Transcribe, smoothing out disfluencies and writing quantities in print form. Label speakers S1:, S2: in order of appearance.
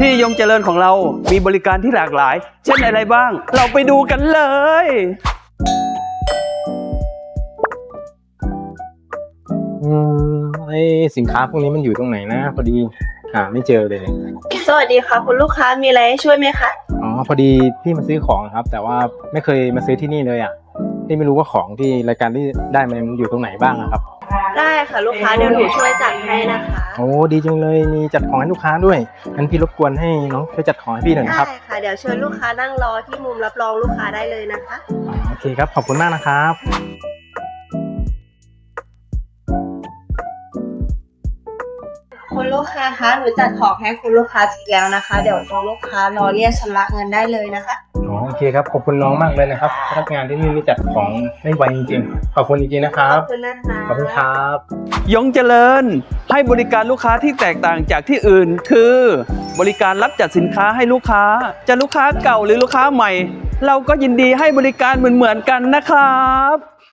S1: ที่ยงเจริญของเรามีบริการที่หลากหลายเช่นอะไรบ้างเราไปดูกันเลย
S2: ไอ้สินค้าพวกนี้มันอยู่ตรงไหนนะพอดีหาไม่เจอเลย
S3: สวัสดีค่ะคุณลูกค้ามีอะไรให้ช่วยไหมคะ
S2: อ๋อพอดีพี่มาซื้อของครับแต่ว่าไม่เคยมาซื้อที่นี่เลยอ่ะพี่ไม่รู้ว่าของที่รายการที่ได้มันอยู่ตรงไหนบ้างครับ
S3: ได้ค่ะลูกค้าเดี๋ยวหนูช่วยจัดให้นะคะ
S2: โอ้ดีจังเลยมีจัดของให้ลูกค้าด้วยงั้นพี่รบกวนให้น้องช่วยจัดของให้พี่หน่อยนะครับ
S3: ได้ค่ะเดี๋ยวเชิญลูกค้านั่งรอที่มุมรับรองลูกค้าได้เลยนะคะ
S2: โอเคครับขอบคุณมากนะครับ
S3: คุณลูกค้าคะหนูจัดของให้คุณลูกค้าเสร็จแล้วนะคะเดี๋ยวคุณลูกค้ารอเรียกชำระเงินได้เลยนะคะ
S2: โอเคครับขอบคุณน้องมากเลยนะครับพนักงานที่นี่จัดของได้ไวจริงๆขอบคุณจริงๆนะครับ
S3: ขอบคุณนะคะ
S2: ขอบคุณครับ
S1: ยงเจริญให้บริการลูกค้าที่แตกต่างจากที่อื่นคือบริการรับจัดสินค้าให้ลูกค้าจะลูกค้าเก่าหรือลูกค้าใหม่เราก็ยินดีให้บริการเหมือนกันนะครับ